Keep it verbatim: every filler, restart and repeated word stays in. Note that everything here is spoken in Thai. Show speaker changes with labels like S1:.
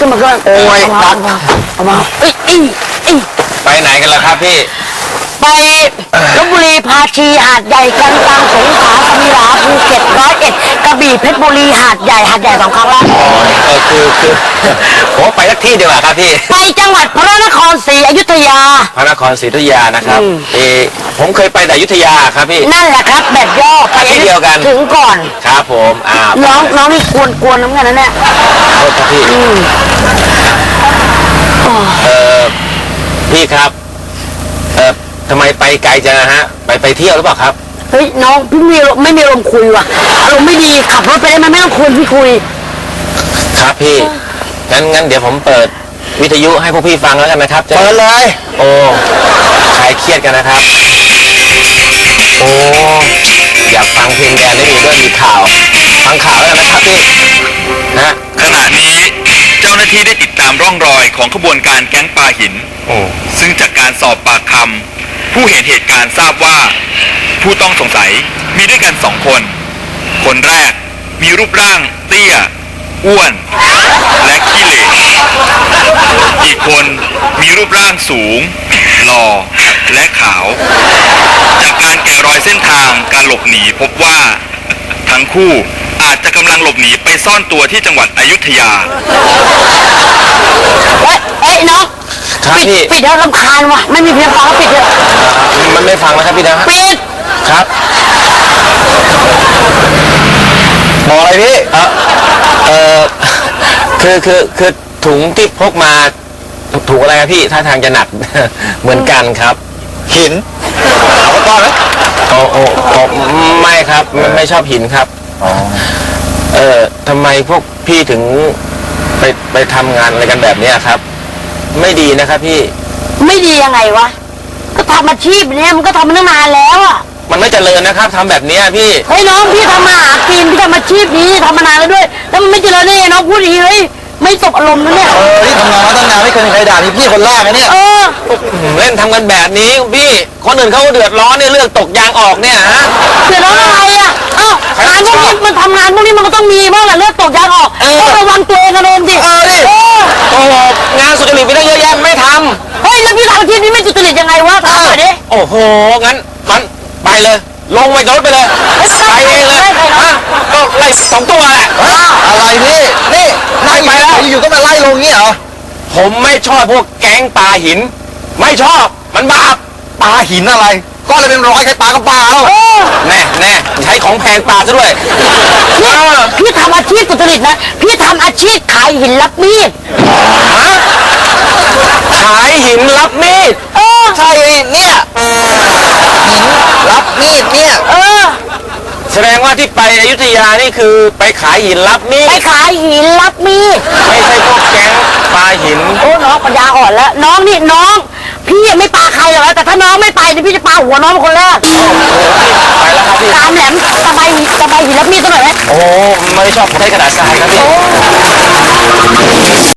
S1: นมาขึ้นโอ้ยตัดเอามาเอ้ยเอ้ยเอ้ย
S2: ไปไหนกันล่ะครับพี่
S1: ไปลพบุรีพาชีหาดใหญ่กันตังสงขลาสมิลาภูเก็ตร้อยเอ็ดกระบี่เพชรบุรีหาดใหญ่หาดใหญ่สองครั้งแล้ว
S2: อ๋อเออคือคือผมไปสักที่เดียวครับพี่
S1: ไปจังหวัดพระนครศรีอยุธยา
S2: พระนครศรีอยุธยานะครับเออผมเคยไปแต่อยุธยาครับพี่
S1: นั่นแหละครับแบบย่อไป
S2: ที่เดียวกัน
S1: ถึงก่อน
S2: ครับผมอ่า
S1: น้องน้องนี่กวนกวนน้ำกันนะเนี่ย
S2: โทษครับพี่เออพี่ครับเออทำไมไปไกลจังนะฮะไปไปเที่ยวหรือเปล่าครับ
S1: เฮ้ยน้องพี่มีไม่มีลมคุยว่ะอารมณ์ไม่ดีขับรถไปได้ไหมไม่ต้องคุยพี่คุย
S2: ครับพี่งั้นงั้นเดี๋ยวผมเปิดวิทยุให้พวกพี่ฟังแล้วกันนะครับ
S1: เปิดเลย
S2: โอ้คลายเครียดกันนะครับโอ้อยากฟังเพลงแดนได้ดีด้วยมีข่าวฟังข่าวแล้วกันนะครับพี่นะ
S3: ขณะนี้เจ้าหน้าที่ได้ติดตามร่องรอยของขบวนการแก๊งปลาหินซึ่งจากการสอบปากคำผู้เห็นเหตุการณ์ทราบว่าผู้ต้องสงสัยมีด้วยกันสองคนคนแรกมีรูปร่างเตี้ยอ้วนและขี้เหร่อีกคนมีรูปร่างสูงหล่อและขาวจากการแกะรอยเส้นทางการหลบหนีพบว่าทั้งคู่อาจจะกำลังหลบหนีไปซ่อนตัวที่จังหวัดอยุธยา
S1: เฮ้ยเฮ้ยน้อง
S2: ปิด
S1: ปิดแล้วรำคาญว่ะไม่มีเพียงพอปิดเลย
S2: มันไม่ฟังนะครับพี่นะ
S1: ปิด
S2: ครับบอกอะไรพี่เออเออคือคือคือถุงที่พกมาถุงอะไรครับพี่ท่าทางจะหนักเหมือนกันครับหินเอาไปก้อนไหมโอ้โอ้โอ้ไม่ครับไม่ชอบหินครับอ๋อเออทำไมพวกพี่ถึงไปไปทำงานอะไรกันแบบนี้ครับไม่ดีนะครับพี่
S1: ไม่ดียังไงวะก็ทำอาชีพเนี้ยมันก็ทำมาตั้งนานแล้วอ่ะ
S2: มันไม่เจริญนะครับทำแบบนี้พี่
S1: เฮ้ยน้องพี่ทำมาหากินพี่ทำอาชีพนี้ทำมานานแล้วด้วยแล้วมันไม่เจริญได้ไงน้องพูดอย่างนี้เฮ้ยไม่สบอารมณ์นะเนี่ย
S2: เออที่ทำงานมาตั้งนานไม่เคยมีใครด่านี่พี่คนแรกนะเนี่ย
S1: เออ
S2: เล่นทำกันแบบนี้พี่คนอื่นเขาเดือดร้อนเนี่ยเรื่องตกยางออกเนี่ยฮะ
S1: เดือดร้อนอะไรอ่ะเอ้างานพวกนี้มันทำงานพวกนี้มันก็ต้องมีบ้างแหละเรื่องตกยางออกต้องระวังตัวเองกันเองดิ
S2: เออดิโอ้โหงานสุจริตไปได้เยอะแยะไม่ท
S1: ำเฮ้ยแล้วพี่ทำอาชีพนี้ไม่สุจริตยังไงวะทำหน่อยดิ
S2: โอ้โหงั้นมันไปเลยลงไปรถไปเลยไปเองเลยฮะก็ไล่สองตัวแหละ
S4: อะไรพี่นี่ไล่ไปแล้วอยู่ก็มาไล่ลงงี้เหรอ
S2: ผมไม่ชอบพวกแก๊งปลาหินไม่ชอบมันบาป
S4: ปลาหินอะไรก็เลยเป็นร้อยใครปลาก็ปลาแล้ว
S2: แน่แน่ใช้ของแพงปลาซะด้วย
S1: พี่ทำอาชีพสุจริตนะพี่ทำอาชีพขายหินรับมีด
S2: ขายหินรับมีด
S1: เออ
S4: ใช่เนี่ยหินรับมีดเนี่ย
S1: เออ
S2: แสดงว่าที่ไปอยุธยานี่คือไปขายหินรับมีด
S1: ไปขายหินรับมีด
S2: ไม่ใช่พวกแก๊งปลาหิน
S1: โอ้น้องปัญญาอ่อนแล้วน้องนี่น้องพี่ยังไม่ปาใครหรอกแต่ถ้าน้องไม่ไปนี่พี่จะปาหัวน้องเป็นคนแรก
S2: ไปแล้วครับพี่
S1: ตามแหลมสบายสบายหินรับมีดตัวไหน
S2: โอ้ไม่ชอบใช้กระดาษทรายครับพี่